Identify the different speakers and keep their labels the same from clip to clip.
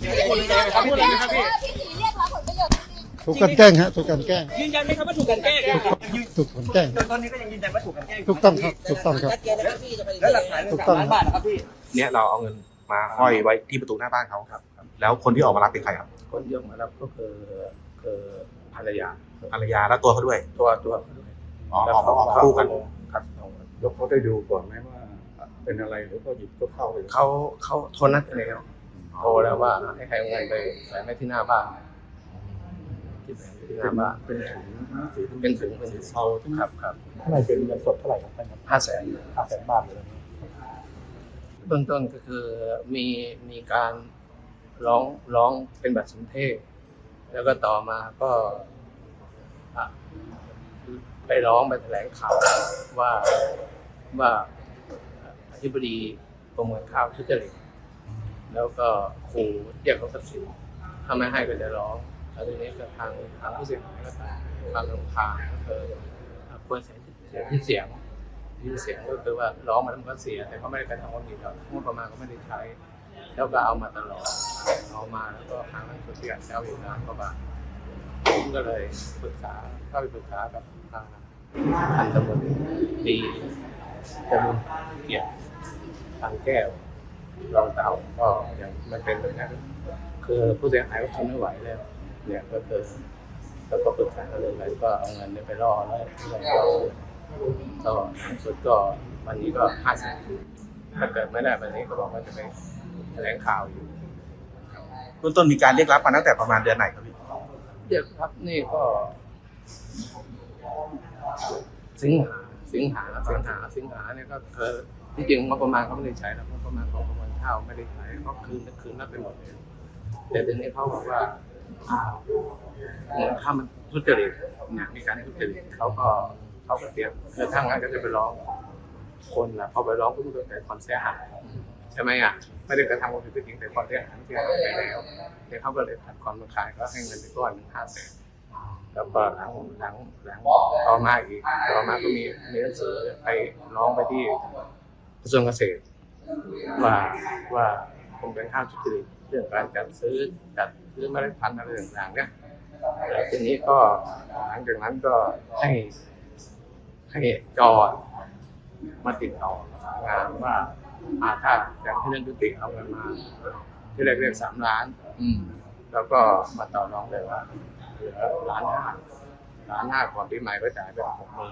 Speaker 1: ครับพูดเลยนะครับพี่
Speaker 2: พี่สีเรียกรับผลประโยชน์จริง
Speaker 3: ถูกกันแกล้งฮะถูกกันแกล้ง
Speaker 1: ยืนยันไหมครับว่าถูกกันแกล้ง
Speaker 3: ถูกกันแกล้ง
Speaker 1: ตอนนี้ก็ยังยืนยันว่าถูกกันแกล้ง
Speaker 3: ถูกต้องครับถูกต้องครับ
Speaker 1: แล้วหลักฐาน
Speaker 3: ถูกต้อง
Speaker 1: ล้านบาทนะครับพี่
Speaker 4: เนี่ยเราเอาเงินมาห้อยไว้ที่ประตูหน้าบ้านเขาครับ แล้วคนที่ออกมารับเป็นใครครับ
Speaker 5: คนที่ออกมารับก็คือภรรยา
Speaker 4: ภรรยาและตัวเขาด้วย
Speaker 5: ตัวเขาด้วย
Speaker 4: อ๋อออกคู่กัน
Speaker 5: ครับ
Speaker 6: แล้วเขาได้ดูก่อนไหมว่าเป็นอะไรหรือเขาหยิบก็เข้าไป
Speaker 5: เขาโทรนัดกันแล้วโทรแล้วว่าให้ใครเอาเงินไปใส่ไว้ที่หน้าบ้านที่แผงที่หน้าบ้าน
Speaker 6: เป็นถุงสี
Speaker 5: เป็นถุงเป็นถุง
Speaker 6: เทาใช่ไหม
Speaker 5: ครับ
Speaker 6: ข้างในเป็นเงินสดเท่าไหร่ครับท่านครับ
Speaker 5: 500,000
Speaker 6: 500,000 บาทเลย
Speaker 5: เบื้องต้นก็คือมีการร้องเป็นบัตรสนเทศแล้วก็ต่อมาก็ไปร้องไปแถลงข่าวว่าอธิบดีกรมการข้าวทุจริตแล้วก็ขู่เรียกเขาทรัพย์สินถ้าไม่ให้ก็จะร้องแล้วทีนี้ก็ทางผู้เสียหายก็ตามความรำคาญก็คือควรเสียที่เสียงก็คือว่าร้องมาแล้วมันก็เสียแต่เขาไม่ได้กระทำความผิดหรอกงบประมาณก็ไม่ได้ใช้แล้วก็เอามาตลอดเอามาแล้วก็ครั้งนั้นก็เสียเจ้าอยู่1,000,000 กว่าบาทผมก็เลยเข้าไปปรึกษากับพันตำรวจตีจรุนเกียรติทางแก้วรองเต่าก็อย่างมันเป็นแบบนั้นคือผู้เสียหายก็ทนไม่ไหวแล้วเนี่ยก็คือแล้วก็ปรึกษากันเลยแล้วก็เอาเงินไปล่อแล้วก็สุดก็วันนี้ก็500,000ถ้าเกิดไม่ได้วันนี้ก็บอกว่าจะไปแถลงข่าวอยู่
Speaker 4: เบื้องต้นมีการเรียกรับมาตั้งแต่ประมาณเดือนไหนครับพี่
Speaker 5: เรียกครับนี่ก็สิงหาเนี่ยก็คือที่จริงงบประมาณเขาไม่ได้ใช้แล้วงบประมาณของกรมการข้าวไม่ได้ใช้เขาคืนรับไปหมดเลยแต่ทีนี้เขาบอกว่าเงินข้าวมันทุจริตเนี่ยมีการทุจริตเขาก็เตรียมคือทางนั้นก็จะไปร้องคนละพอไปร้องก็ต้องแต่ความเสียหายใช่ไหมอ่ะไม่ได้กระทำความผิดจริงแต่ความเสียหายไปแล้วเนี่ยเขาก็เลยตัดความรำคาญก็ให้เงินไปก้อน500,000แล้วก็หลังต่อมาก็มีหนังสือไปร้องไปที่กระทรวงเกษตรว่ากรมการข้าวทุจริตเรื่องการจัดซื้อเมล็ดพันธุ์อะไรต่างๆเนี่ยแล้วทีนี้ก็หลังจากนั้นก็ให้จอดมาติดต่อประสานงานว่าถ้าจะให้เรื่องยุติเอาเงินมาที่แรกเรียก3 ล้านแล้วก็มาต่อรองเลยว่าเหลือ1,500,000ก่อนปีใหม่ก็จ่ายไป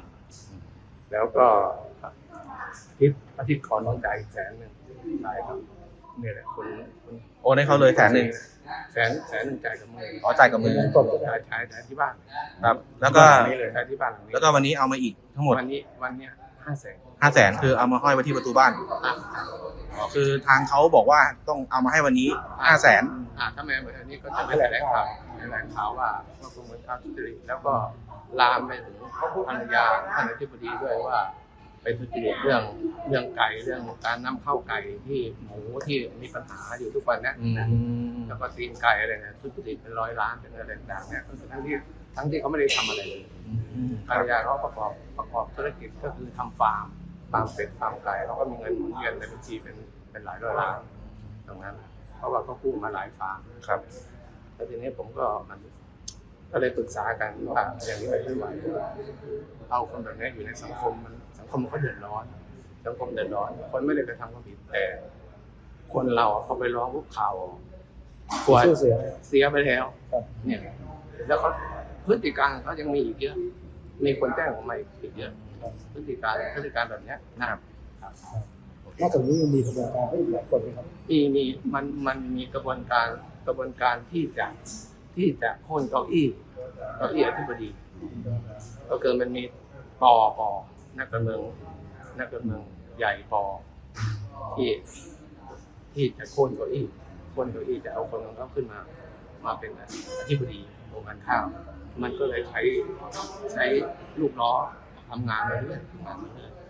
Speaker 5: 60,000แล้วก็อาทิตย์ก่อนต้องจ่ายอีก100,000ใช่ครับนี่แหละคุณ
Speaker 4: โอนให้เขาเลย100,000
Speaker 5: 100,000จ่ายกับมือ
Speaker 4: อ๋อจ่ายกับมือ
Speaker 5: จ่ายที่บ้าน
Speaker 4: ครับแล้วก็
Speaker 5: จ่ายที่บ้านหลังนี้
Speaker 4: แล้วก็วันนี้เอามาอีกทั้งหมด
Speaker 5: วันนี้500,000
Speaker 4: 500,000คือเอามาห้อยไว้ที่ประตูบ้านอ๋อคือทางเขาบอกว่าต้องเอามาให้วันนี้500,000
Speaker 5: ถ้าแม่เหมือนอันนี้ก็จะไปแถลงข่าวว่ากรมการข้าวทุจริตแล้วก็ลามไปถึงภรรยาท่านอธิบดีด้วยว่าไปทุจริตเรื่องไก่เรื่องการนำเข้าไก่ที่หมูที่มีปัญหาอยู่ทุกวันนี้แล้วก็ตีนไก่อะไรเนี่ยทุจริตเป็น100 ล้านเป็นอะไรต่างๆเนี่ยก็คือทั้งที่เขาไม่ได้ทำอะไรเลยภรรยาเขาประกอบธุรกิจก็คือทำฟาร์มเป็ดฟาร์มไก่เขาก็มีเงินหมุนเวียนในบัญชีเป็นหลายร้อยล้านตรงนั้นเพราะว่าเขากู้มาหลายฟาร์ม
Speaker 4: ครับ
Speaker 5: แล้วทีนี้ผมก็เลยปรึกษากันว่าอย่างนี้ไม่ไหวเอาคนแบบนี้อยู่ในสังคมเขาเดือดร้อนคนไม่ได้กระทำความผิดแต่คนเราเขาไปร้องพวกข่าวกลัวเสียไปแล้วเนี่ยแล้วเขาพฤติการเขายังมีอีกเยอะมีคนแจ้งออกมาอีกเยอะพฤติการแบบนี้นะครับ
Speaker 6: นอกจากนี้ยังมีกระบวนการให้อีกหลายคนไหมครับ
Speaker 5: มันมีกระบวนการที่จะโค่นเก้าอี้อธิบดีก็คือมันมีปนักการเมืองใหญ่ที่จะโค่นเก้าอี้จะเอาคนของเขาขึ้นมาเป็นอธิบดีกรมการข้าวมันก็เลยใช้ลูกล้อทำงานมาเรื่อย